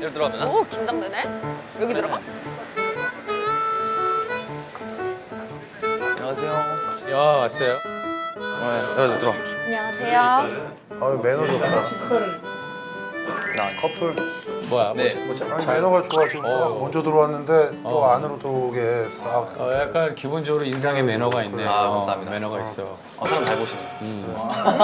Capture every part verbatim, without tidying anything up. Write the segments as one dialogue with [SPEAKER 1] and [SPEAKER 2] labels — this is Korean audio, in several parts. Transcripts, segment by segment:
[SPEAKER 1] 여기 들어가면?
[SPEAKER 2] 오, 긴장되네. 여기 들어가?
[SPEAKER 1] 안녕하세요.
[SPEAKER 3] 야 왔어요.
[SPEAKER 1] 네, 여기 들어.
[SPEAKER 2] 안녕하세요.
[SPEAKER 4] 아유 매너 좋다.
[SPEAKER 1] 나
[SPEAKER 4] 커플.
[SPEAKER 3] 뭐야?
[SPEAKER 1] 네.
[SPEAKER 3] 뭐, 뭐,
[SPEAKER 4] 아니
[SPEAKER 3] 잘,
[SPEAKER 4] 매너가 좋아. 지금
[SPEAKER 3] 어.
[SPEAKER 4] 딱 먼저 들어왔는데 또
[SPEAKER 3] 어.
[SPEAKER 4] 안으로 들어오게 싹.
[SPEAKER 3] 어, 약간 기본적으로 인상에 매너가 있네.
[SPEAKER 1] 아,
[SPEAKER 3] 어,
[SPEAKER 1] 감사합니다.
[SPEAKER 3] 매너가 있어.
[SPEAKER 1] 어, 사람 잘 보시네.
[SPEAKER 3] 음.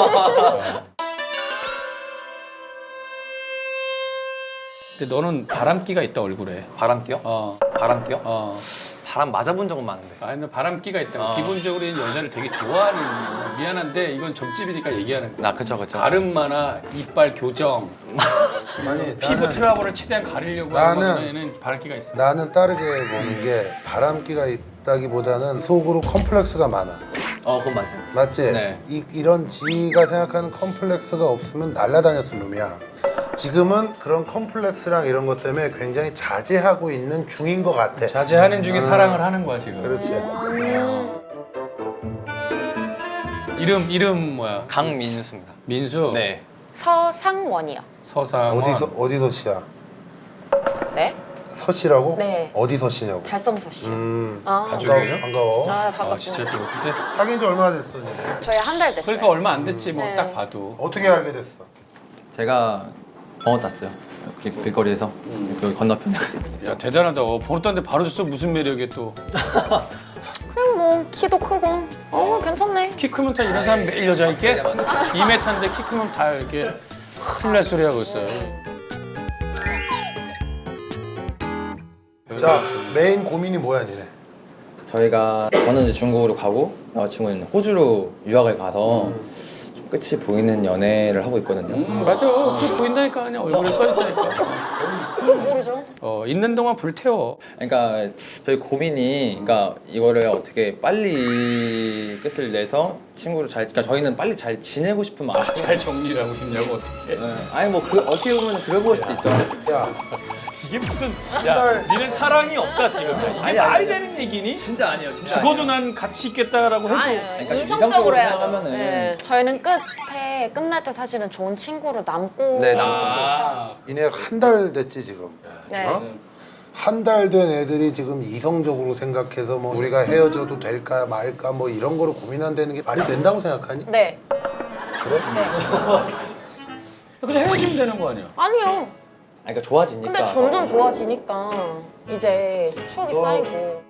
[SPEAKER 3] 근데 너는 바람기가 있다 얼굴에.
[SPEAKER 1] 바람기요?
[SPEAKER 3] 어,
[SPEAKER 1] 바람기요?
[SPEAKER 3] 어.
[SPEAKER 1] 바람 맞아본 적은 많은데.
[SPEAKER 3] 아니 너 바람기가 있다.
[SPEAKER 1] 어.
[SPEAKER 3] 기본적으로 이 여자를 되게 좋아하는. 거야. 미안한데 이건 점집이니까 얘기하는 거야.
[SPEAKER 1] 나 그쵸 그쵸.
[SPEAKER 3] 가름마나 이빨 교정,
[SPEAKER 4] 아니
[SPEAKER 3] 피부
[SPEAKER 4] 나는,
[SPEAKER 3] 트러블을 최대한 가리려고 하는
[SPEAKER 4] 나는-
[SPEAKER 3] 거에는 바람기가 있어.
[SPEAKER 4] 나는 다르게 보는 게 바람기가 있다기보다는 속으로 컴플렉스가 많아.
[SPEAKER 1] 어 그건 맞아요.
[SPEAKER 4] 맞지?
[SPEAKER 1] 네.
[SPEAKER 4] 이, 이런 지가 생각하는 컴플렉스가 없으면 날라다녔을 놈이야. 지금은 그런 컴플렉스랑 이런 것 때문에 굉장히 자제하고 있는 중인 것 같아.
[SPEAKER 3] 자제하는 중에 사랑을 하는 거야 지금.
[SPEAKER 4] 그렇지.
[SPEAKER 3] 이름 이름 뭐야?
[SPEAKER 1] 강민수입니다.
[SPEAKER 3] 민수.
[SPEAKER 1] 네.
[SPEAKER 2] 서상원이요.
[SPEAKER 3] 서상원.
[SPEAKER 4] 어디서 어디서 씨야?
[SPEAKER 2] 네?
[SPEAKER 4] 서씨라고?
[SPEAKER 2] 네.
[SPEAKER 4] 어디서 씨냐고?
[SPEAKER 2] 달성서 씨.
[SPEAKER 4] 음.
[SPEAKER 2] 아,
[SPEAKER 3] 가족이에요?
[SPEAKER 4] 반가워. 반가워.
[SPEAKER 2] 아,
[SPEAKER 3] 아
[SPEAKER 2] 반갑습니다.
[SPEAKER 3] 진짜 또 근데
[SPEAKER 4] 사귄 지 얼마나 됐어? 이제?
[SPEAKER 2] 저희 한 달 됐어요.
[SPEAKER 3] 그러니까 얼마 안 됐지 뭐
[SPEAKER 2] 네.
[SPEAKER 3] 딱 봐도.
[SPEAKER 4] 어떻게 알게 됐어?
[SPEAKER 1] 제가 번호 땄어요. 길, 길거리에서 여기 건너편에.
[SPEAKER 3] 야 대단하다. 어, 번호 땄는데 바로 줬어. 무슨 매력에 또.
[SPEAKER 2] 그럼 뭐 키도 크고. 어, 괜찮네.
[SPEAKER 3] 키 크면 다 이런 사람 매일 여자 있게? 이 미터인데 키 크면 다 이렇게 큰일 날 소리 하고 있어요.
[SPEAKER 4] 자 메인 고민이 뭐야 니네?
[SPEAKER 1] 저희가 저는 이제 중국으로 가고 여자친구는 호주로 유학을 가서 좀 끝이 보이는 연애를 하고 있거든요.
[SPEAKER 3] 음, 맞아. 그 보인다니까 그냥 얼굴에 써 있다니까.
[SPEAKER 2] 또 모르죠.
[SPEAKER 3] 어 있는 동안 불태워.
[SPEAKER 1] 그러니까 저희 고민이 그러니까 이거를 어떻게 빨리 끝을 내서 친구를 잘 그러니까 저희는 빨리 잘 지내고 싶은 마음.
[SPEAKER 3] 아, 잘 정리를 하고 싶냐고 어떻게?
[SPEAKER 1] 네. 아니 뭐 그 어떻게 보면 그래 보일 수도 있죠.
[SPEAKER 4] 야
[SPEAKER 3] 이게 무슨?
[SPEAKER 4] 달-
[SPEAKER 3] 야, 니는 사랑이 없다 지금. 야, 이게
[SPEAKER 1] 아니,
[SPEAKER 3] 말이
[SPEAKER 1] 아니,
[SPEAKER 3] 되는 얘기니?
[SPEAKER 1] 진짜 아니에요. 진짜
[SPEAKER 3] 죽어도
[SPEAKER 1] 아니에요.
[SPEAKER 3] 난 같이 있겠다라고 해서.
[SPEAKER 2] 아니,
[SPEAKER 1] 그러니까
[SPEAKER 2] 이성적으로
[SPEAKER 1] 이성적으로
[SPEAKER 2] 해야죠.
[SPEAKER 1] 생각하면은-
[SPEAKER 2] 네. 저희는 끝에 끝날 때 사실은 좋은 친구로 남고.
[SPEAKER 1] 네, 남고.
[SPEAKER 3] 아,
[SPEAKER 4] 니네 한 달 됐지 지금?
[SPEAKER 2] 네.
[SPEAKER 4] 어? 한 달 된 애들이 지금 이성적으로 생각해서 뭐 우리가 헤어져도 될까 말까 뭐 이런 거를 고민한다는 게 말이 된다고 생각하니?
[SPEAKER 2] 네.
[SPEAKER 4] 그래?
[SPEAKER 3] 그냥 헤어지면 되는 거 아니야?
[SPEAKER 2] 아니요.
[SPEAKER 1] 아니, 그러니까 좋아지니까.
[SPEAKER 2] 근데 점점 좋아지니까 이제 추억이
[SPEAKER 4] 너-
[SPEAKER 2] 쌓이고.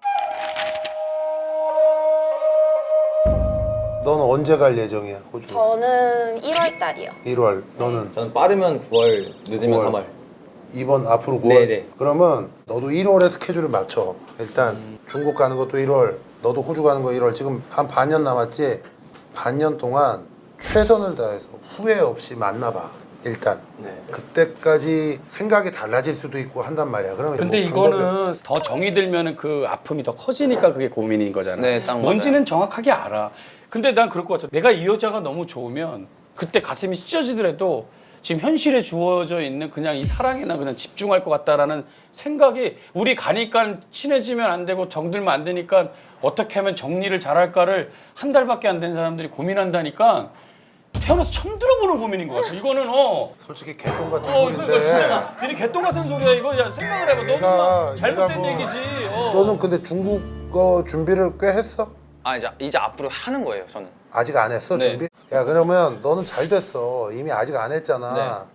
[SPEAKER 4] 너는 언제 갈 예정이야 호주?
[SPEAKER 2] 저는 일월 달이요.
[SPEAKER 4] 일월. 너는
[SPEAKER 1] 저는 빠르면 구월, 늦으면
[SPEAKER 4] 구월.
[SPEAKER 1] 삼월.
[SPEAKER 4] 이번 앞으로 구월.
[SPEAKER 1] 네네.
[SPEAKER 4] 그러면 너도 일월에 스케줄을 맞춰. 일단 중국 가는 것도 일월, 너도 호주 가는 거 일월. 지금 한 반년 남았지. 반년 동안 최선을 다해서 후회 없이 만나봐. 일단
[SPEAKER 1] 네.
[SPEAKER 4] 그때까지 생각이 달라질 수도 있고 한단 말이야. 그러면
[SPEAKER 3] 근데
[SPEAKER 4] 뭐 방법이
[SPEAKER 3] 이거는 더 정이 들면은 그 아픔이 더 커지니까 그게 고민인 거잖아.
[SPEAKER 1] 네, 딱 맞아요.
[SPEAKER 3] 뭔지는 정확하게 알아. 근데 난 그럴 것 같아. 내가 이 여자가 너무 좋으면 그때 가슴이 찢어지더라도 지금 현실에 주어져 있는 그냥 이 사랑에나 그냥 집중할 것 같다라는 생각이 우리 가니까 친해지면 안 되고 정들면 안 되니까 어떻게 하면 정리를 잘할까를 한 달밖에 안 된 사람들이 고민한다니까 태어나서 처음 들어보는 고민인 것 같아. 이거는 어.
[SPEAKER 4] 솔직히 개똥 같은
[SPEAKER 3] 어,
[SPEAKER 4] 소리인데
[SPEAKER 3] 이거 진짜 니네 개똥 같은 소리야 이거. 야 생각을 해봐.
[SPEAKER 4] 얘가-
[SPEAKER 3] 너무 잘못된
[SPEAKER 4] 얘가 뭐-
[SPEAKER 3] 얘기지. 어.
[SPEAKER 4] 너는 근데 중국어 준비를 꽤 했어?
[SPEAKER 1] 아 이제 이제 앞으로 하는 거예요, 저는.
[SPEAKER 4] 아직 안 했어
[SPEAKER 1] 네.
[SPEAKER 4] 준비? 야 그러면 너는 잘 됐어. 이미 아직 안 했잖아.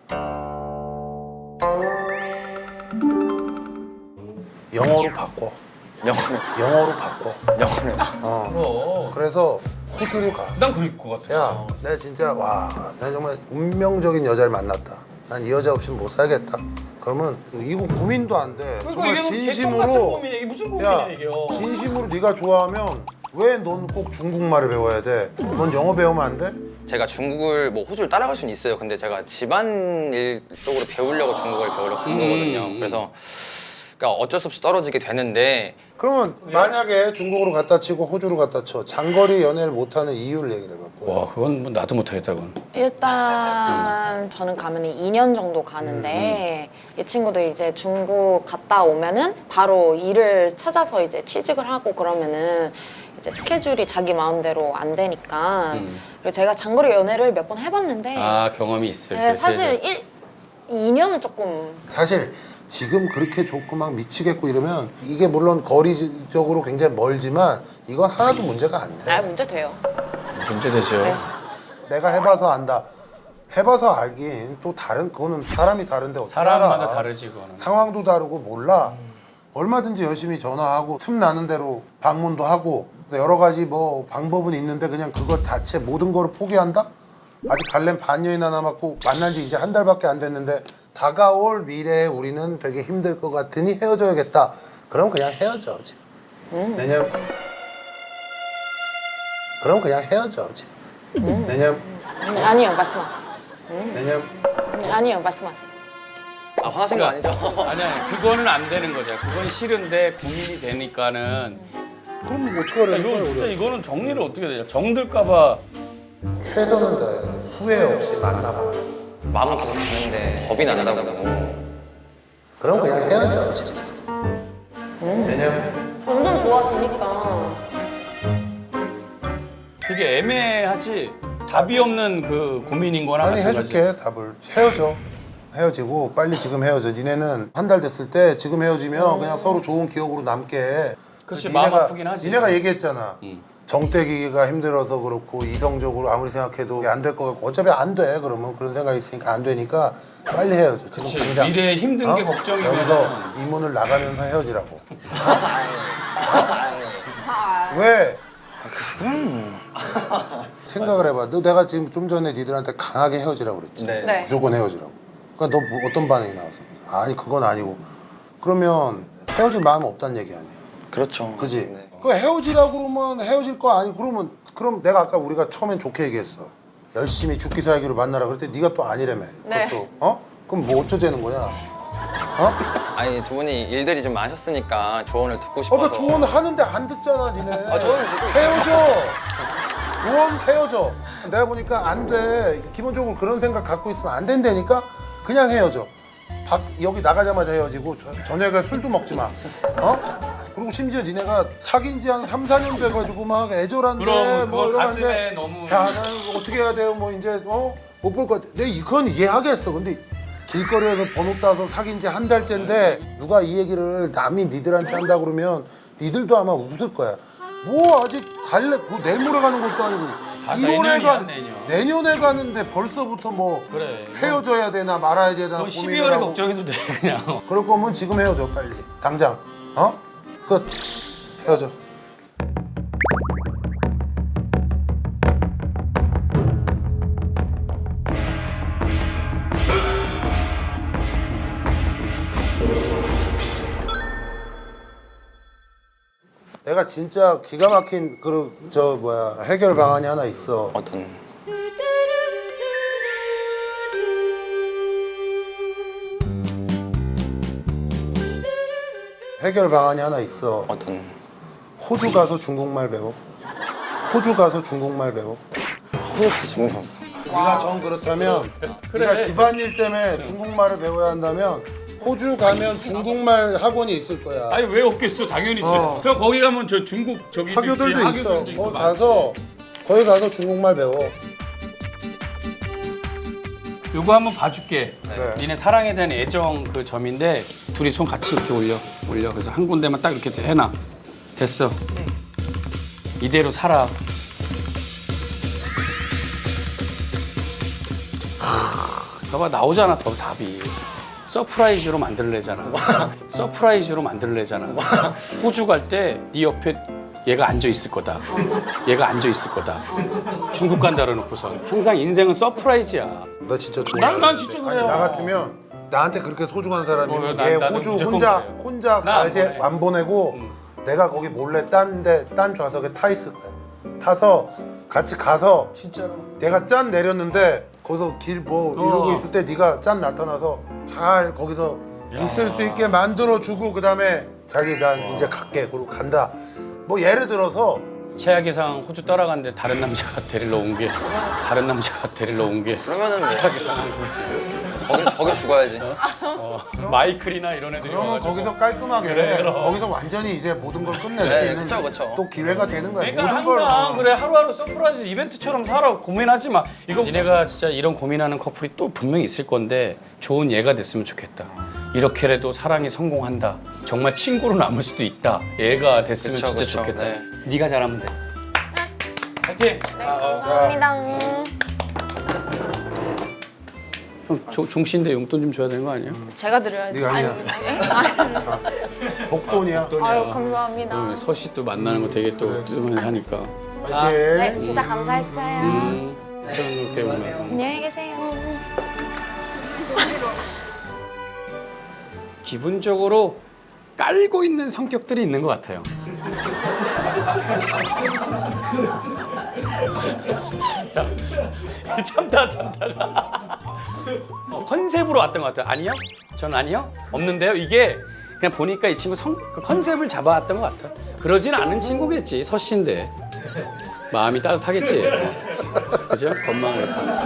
[SPEAKER 4] 영어로 바꿔.
[SPEAKER 1] 영어는
[SPEAKER 4] 영어로 바꿔.
[SPEAKER 1] 영어는.
[SPEAKER 4] 어.
[SPEAKER 3] 그럼.
[SPEAKER 4] 그래서 호주로 가.
[SPEAKER 3] 난 그럴 것 같아.
[SPEAKER 4] 야, 내가 진짜 와, 내가 정말 운명적인 여자를 만났다. 난 이 여자 없이는 못 살겠다. 그러면 이거 고민도 안 돼.
[SPEAKER 3] 그러니까
[SPEAKER 4] 정말
[SPEAKER 3] 이게 개똥 같은
[SPEAKER 4] 진심으로.
[SPEAKER 3] 고민이야. 이게 무슨
[SPEAKER 4] 야,
[SPEAKER 3] 고민이야 이게. 어.
[SPEAKER 4] 진심으로 네가 좋아하면 왜 넌 꼭 중국말을 배워야 돼? 넌 영어 배우면 안 돼?
[SPEAKER 1] 제가 중국을 뭐 호주를 따라갈 수는 있어요. 근데 제가 집안일 쪽으로 배우려고 중국어를 배우려고 한
[SPEAKER 3] 음,
[SPEAKER 1] 거거든요.
[SPEAKER 3] 음.
[SPEAKER 1] 그래서 그러니까 어쩔 수 없이 떨어지게 되는데
[SPEAKER 4] 그러면 만약에 중국으로 갖다 치고 호주로 갖다 쳐 장거리 연애를 못하는 이유를 얘기해 봐.
[SPEAKER 3] 와 그건 뭐 나도 못하겠다 그건.
[SPEAKER 2] 일단 저는 가면 이 년 정도 가는데 이 친구도 이제 중국 갔다 오면은 바로 일을 찾아서 이제 취직을 하고 그러면은 이제 스케줄이 자기 마음대로 안 되니까
[SPEAKER 3] 음.
[SPEAKER 2] 그리고 제가 장거리 연애를 몇 번 해봤는데
[SPEAKER 3] 아 경험이 있을
[SPEAKER 2] 네,
[SPEAKER 3] 때
[SPEAKER 2] 사실 일, 이 년은 조금
[SPEAKER 4] 사실 지금 그렇게 좋고 막 미치겠고 이러면 이게 물론 거리적으로 굉장히 멀지만 이건 하나도 문제가 안 돼.
[SPEAKER 2] 아 문제 돼요.
[SPEAKER 3] 문제되죠.
[SPEAKER 2] 네.
[SPEAKER 4] 내가 해봐서 안다. 해봐서 알긴 또 다른 그거는 사람이 다른데 어떻게
[SPEAKER 3] 사람마다
[SPEAKER 4] 알아.
[SPEAKER 3] 다르지 그거는.
[SPEAKER 4] 상황도 다르고 몰라. 얼마든지 열심히 전화하고 틈 나는 대로 방문도 하고 여러 가지 뭐 방법은 있는데 그냥 그거 자체 모든 거를 포기한다? 아직 갈렘 반년이나 남았고 만난 지 이제 한 달밖에 안 됐는데 다가올 미래에 우리는 되게 힘들 것 같으니 헤어져야겠다. 그럼 그냥 헤어져 지금.
[SPEAKER 2] 음.
[SPEAKER 4] 왜냐면 그럼 그냥 헤어져 지금. 왜냐면
[SPEAKER 2] 음, 아니요 말씀하세요.
[SPEAKER 4] 왜냐면
[SPEAKER 2] 음, 아니요 말씀하세요.
[SPEAKER 1] 아 화나신 거 아니죠?
[SPEAKER 3] 아니 아니 그거는 안 되는 거죠. 그건 싫은데 고민이 되니까는.
[SPEAKER 4] 그럼 뭐 어떻게 하려는
[SPEAKER 3] 이거
[SPEAKER 4] 거야
[SPEAKER 3] 진짜
[SPEAKER 4] 우리?
[SPEAKER 3] 이거는 정리를 어떻게 되냐. 정들까봐.
[SPEAKER 4] 최선을 다해서 후회 없이 만나봐.
[SPEAKER 1] 마음은 계속 가는데 겁이 난다고.
[SPEAKER 4] 그럼 그냥 헤어져 지금. 왜냐면
[SPEAKER 2] 점점 좋아지니까.
[SPEAKER 3] 되게 애매하지. 답이 없는 그 고민인 거나
[SPEAKER 4] 아니
[SPEAKER 3] 마찬가지.
[SPEAKER 4] 해줄게 답을. 헤어져. 헤어지고 빨리 지금 헤어져. 니네는 한 달 됐을 때 지금 헤어지면 그냥 서로 좋은 기억으로 남게.
[SPEAKER 3] 그렇지,
[SPEAKER 4] 니네가-
[SPEAKER 3] 마음 아프긴 하지.
[SPEAKER 4] 니네가 얘기했잖아.
[SPEAKER 3] 응.
[SPEAKER 4] 정떼기가 힘들어서 그렇고 이성적으로 아무리 생각해도 안 될 것 같고 어차피 안 돼. 그러면 그런 생각이 있으니까 안 되니까 빨리 헤어져. 지금
[SPEAKER 3] 그치,
[SPEAKER 4] 당장.
[SPEAKER 3] 미래에 힘든 게
[SPEAKER 4] 어?
[SPEAKER 3] 걱정이면
[SPEAKER 4] 여기서 이 문을 나가면서 헤어지라고. 어? 왜? 생각을 해봐. 너 내가 지금 좀 전에 니들한테 강하게 헤어지라고 그랬지.
[SPEAKER 1] 네.
[SPEAKER 2] 네.
[SPEAKER 4] 무조건 헤어지라고. 그러니까 너 뭐 어떤 반응이 나왔어? 아니 그건 아니고. 그러면 헤어질 마음 없다는 얘기 아니야.
[SPEAKER 1] 그렇죠.
[SPEAKER 4] 그지?
[SPEAKER 1] 네.
[SPEAKER 4] 그 헤어지라고 그러면 헤어질 거 아니 그러면 그럼 내가 아까 우리가 처음엔 좋게 얘기했어. 열심히 죽기 살기로 만나라 그럴 때 네가 또 아니라며.
[SPEAKER 2] 네.
[SPEAKER 4] 그것도 어? 그럼 뭐 어쩌자는 거냐? 어?
[SPEAKER 1] 아니 두 분이 일들이 좀 많으셨으니까 조언을 듣고
[SPEAKER 4] 어,
[SPEAKER 1] 싶어서.
[SPEAKER 4] 나 조언 하는데 안 듣잖아, 니네.
[SPEAKER 1] 아, 조언 듣고 있어요.
[SPEAKER 4] 헤어져. 조언 헤어져. 내가 보니까 안 돼. 기본적으로 그런 생각 갖고 있으면 안 된다니까 그냥 헤어져. 박, 여기 나가자마자 헤어지고 저, 저녁에 술도 먹지 마. 어? 그리고 심지어 니네가 사귄 지 한 삼, 사 년 돼가지고 막 애절한데
[SPEAKER 3] 그럼
[SPEAKER 4] 뭐
[SPEAKER 3] 그거
[SPEAKER 4] 이러는데
[SPEAKER 3] 가슴에 너무.
[SPEAKER 4] 야, 나는 어떻게 해야 돼요? 뭐 이제 어? 못 볼 것 같아. 내가 이건 이해하겠어. 근데 길거리에서 번호 따서 사귄 지 한 달째인데 누가 이 얘기를 남이 니들한테 한다 그러면 니들도 아마 웃을 거야. 뭐 아직 갈래? 그 내일 모레 가는 것도 아니고
[SPEAKER 3] 다
[SPEAKER 4] 일월에
[SPEAKER 3] 내년이야,
[SPEAKER 4] 가
[SPEAKER 3] 내년.
[SPEAKER 4] 내년에 가는데 벌써부터 뭐
[SPEAKER 3] 그래.
[SPEAKER 4] 헤어져야 되나 말아야 되나
[SPEAKER 3] 그건
[SPEAKER 4] 고민을
[SPEAKER 3] 십이월에
[SPEAKER 4] 하고.
[SPEAKER 3] 걱정해도 돼 그냥.
[SPEAKER 4] 그럴 거면 지금 헤어져 빨리 당장. 어? 끝. 헤어져. 내가 진짜 기가 막힌 그 저 뭐야 해결 방안이 하나 있어.
[SPEAKER 1] 어떤?
[SPEAKER 4] 해결 방안이 하나 있어.
[SPEAKER 1] 어떤?
[SPEAKER 4] 호주 가서 중국말 배워. 호주 가서 중국말 배워.
[SPEAKER 1] 중국.
[SPEAKER 4] 네가 정 그렇다면 네가 집안일 때문에 중국말을 배워야 한다면 호주 가면 중국말 학원이 있을 거야.
[SPEAKER 3] 아니 왜 없겠어? 당연히 있지.
[SPEAKER 4] 어.
[SPEAKER 3] 그럼 거기 가면 저 중국 저기
[SPEAKER 4] 학교들도 있어.
[SPEAKER 3] 학교들도 있고
[SPEAKER 4] 거기
[SPEAKER 3] 많지.
[SPEAKER 4] 가서 거기 가서 중국말 배워.
[SPEAKER 3] 요거 한번 봐줄게.
[SPEAKER 4] 네.
[SPEAKER 3] 니네 사랑에 대한 애정 그 점인데 둘이 손 같이 이렇게 올려 올려. 그래서 한 군데만 딱 이렇게 해놔. 됐어. 이대로 살아. 하, 봐봐 나오잖아 더 답이. 서프라이즈로 만들래잖아. 서프라이즈로 만들래잖아. 호주 갈 때 네 옆에 얘가 앉아 있을 거다. 얘가 앉아 있을 거다. 중국 간다 그러놓고선 항상 인생은 서프라이즈야.
[SPEAKER 4] 나 진짜 좋아.
[SPEAKER 3] 난- 난 진짜 그래요.
[SPEAKER 4] 아니, 나 같으면 나한테 그렇게 소중한
[SPEAKER 3] 어,
[SPEAKER 4] 사람이면
[SPEAKER 3] 난-
[SPEAKER 4] 얘
[SPEAKER 3] 나도
[SPEAKER 4] 호주
[SPEAKER 3] 무조건
[SPEAKER 4] 혼자
[SPEAKER 3] 그래요.
[SPEAKER 4] 혼자
[SPEAKER 3] 나안
[SPEAKER 4] 가지
[SPEAKER 3] 보내.
[SPEAKER 4] 안 보내고 내가 거기 몰래 딴데 딴 좌석에 타 있을 거야. 타서 같이 가서
[SPEAKER 3] 진짜로.
[SPEAKER 4] 내가 짠 내렸는데 거기서 길 뭐 이러고
[SPEAKER 3] 어.
[SPEAKER 4] 있을 때 네가 짠 나타나서 잘 거기서 있을 수 있게 만들어 주고 그다음에 자기 난 이제 갈게 그러고 간다. 뭐 예를 들어서
[SPEAKER 3] 최악의 상황 호주 떠나갔는데 다른 남자가 데리러 온 게 다른 남자가 데리러 온 게
[SPEAKER 1] 그러면은 뭐
[SPEAKER 3] 최악의 상황인 거지.
[SPEAKER 1] 거기 거기 죽어야지.
[SPEAKER 3] 어, 마이클이나 이런 애들이
[SPEAKER 4] 그러면
[SPEAKER 3] 와가지고.
[SPEAKER 4] 거기서 깔끔하게
[SPEAKER 3] 그래, 그럼.
[SPEAKER 4] 거기서 완전히 이제 모든 걸 끝낼
[SPEAKER 1] 네,
[SPEAKER 4] 수 있는
[SPEAKER 1] 그쵸, 그쵸.
[SPEAKER 4] 또 기회가 되는 거야.
[SPEAKER 3] 그러니까
[SPEAKER 4] 모든 걸
[SPEAKER 3] 항상
[SPEAKER 4] 어.
[SPEAKER 3] 그래 하루하루 서프라이즈 이벤트처럼 살아. 고민하지 마. 이거 니네가 진짜 이런 고민하는 커플이 또 분명히 있을 건데 좋은 예가 됐으면 좋겠다. 이렇게라도 사랑이 성공한다. 정말 친구로 남을 수도 있다. 얘가 됐으면
[SPEAKER 1] 그쵸,
[SPEAKER 3] 진짜
[SPEAKER 1] 그쵸.
[SPEAKER 3] 좋겠다.
[SPEAKER 1] 네.
[SPEAKER 3] 네가 잘하면 돼. 파이팅.
[SPEAKER 2] 네, 감사합니다.
[SPEAKER 3] 형 조- 종신대 용돈 좀 줘야 되는 거 아니야?
[SPEAKER 2] 제가 드려야지.
[SPEAKER 4] 네가 아니야.
[SPEAKER 2] 예?
[SPEAKER 4] 복돈이야.
[SPEAKER 2] 아유, 감사합니다.
[SPEAKER 3] 어, 서씨 또 만나는 거 되게 또 뜨문히 하니까.
[SPEAKER 4] 파이팅.
[SPEAKER 2] 네, 진짜 감사했어요.
[SPEAKER 3] 음, 이렇게 오면.
[SPEAKER 2] 안녕히 계세요.
[SPEAKER 3] 기본적으로 깔고 있는 성격들이 있는 것 같아요. 야, 참다 참다가 어, 컨셉으로 왔던 것 같아요. 아니요? 전 아니요? 없는데요? 이게 그냥 보니까 이 친구 성, 그 컨셉을 잡아왔던 것 같아. 그러진 않은 친구겠지. 서씨인데 마음이 따뜻하겠지. 어. 그죠? 건망을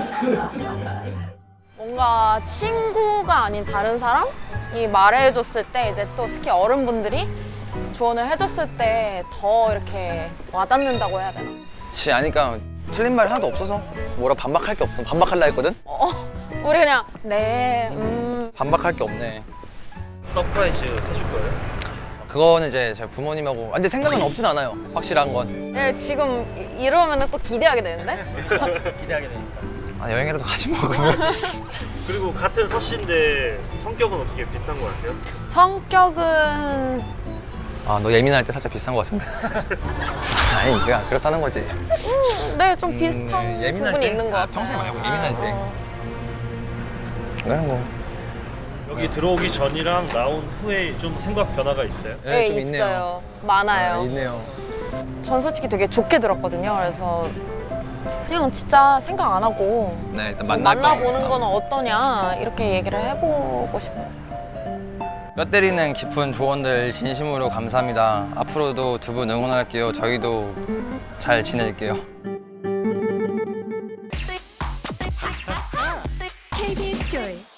[SPEAKER 2] 뭔가 친구가 아닌 다른 사람이 말해줬을 때 이제 또 특히 어른분들이 조언을 해줬을 때 더 이렇게 와닿는다고 해야 되나?
[SPEAKER 1] 지 아니까 틀린 말이 하나도 없어서 뭐라 반박할 게 없어. 반박할라 했거든.
[SPEAKER 2] 어, 우리 그냥 네, 음,
[SPEAKER 1] 반박할 게 없네.
[SPEAKER 5] 서프라이즈 해줄 거예요?
[SPEAKER 1] 그거는 이제 제 부모님하고. 아, 근데 생각은 없진 않아요. 확실한 건.
[SPEAKER 2] 네, 지금 이- 이러면 또 기대하게 되는데?
[SPEAKER 5] 기대하게 되니까.
[SPEAKER 1] 아, 여행이라도 가지 뭐 그러면.
[SPEAKER 5] 그리고 같은 서씨인데 성격은 어떻게 비슷한 것 같아요?
[SPEAKER 2] 성격은
[SPEAKER 1] 아, 너 예민할 때 살짝 비슷한 것 같은데. 아니, 그냥 그렇다는 거지.
[SPEAKER 2] 네, 좀 비슷한
[SPEAKER 1] 음, 네, 예민할
[SPEAKER 2] 부분이
[SPEAKER 1] 때?
[SPEAKER 2] 있는 것
[SPEAKER 1] 아,
[SPEAKER 2] 같아요.
[SPEAKER 1] 평소에 말고 예민할 때.
[SPEAKER 2] 어.
[SPEAKER 1] 그냥 뭐.
[SPEAKER 5] 여기 들어오기 전이랑 나온 후에 좀 생각 변화가 있어요?
[SPEAKER 2] 네,
[SPEAKER 1] 좀
[SPEAKER 2] 있어요.
[SPEAKER 1] 있네요.
[SPEAKER 2] 많아요.
[SPEAKER 1] 아, 있네요.
[SPEAKER 2] 전 솔직히 되게 좋게 들었거든요. 그래서 그냥 진짜 생각 안 하고
[SPEAKER 1] 네, 일단 만날 거.
[SPEAKER 2] 만나보는 거는 어떠냐 이렇게 얘기를 해보고 싶어요.
[SPEAKER 1] 뼈 때리는 깊은 조언들 진심으로 감사합니다. 앞으로도 두 분 응원할게요. 저희도 잘 지낼게요.
[SPEAKER 6] 케이비에스 Joy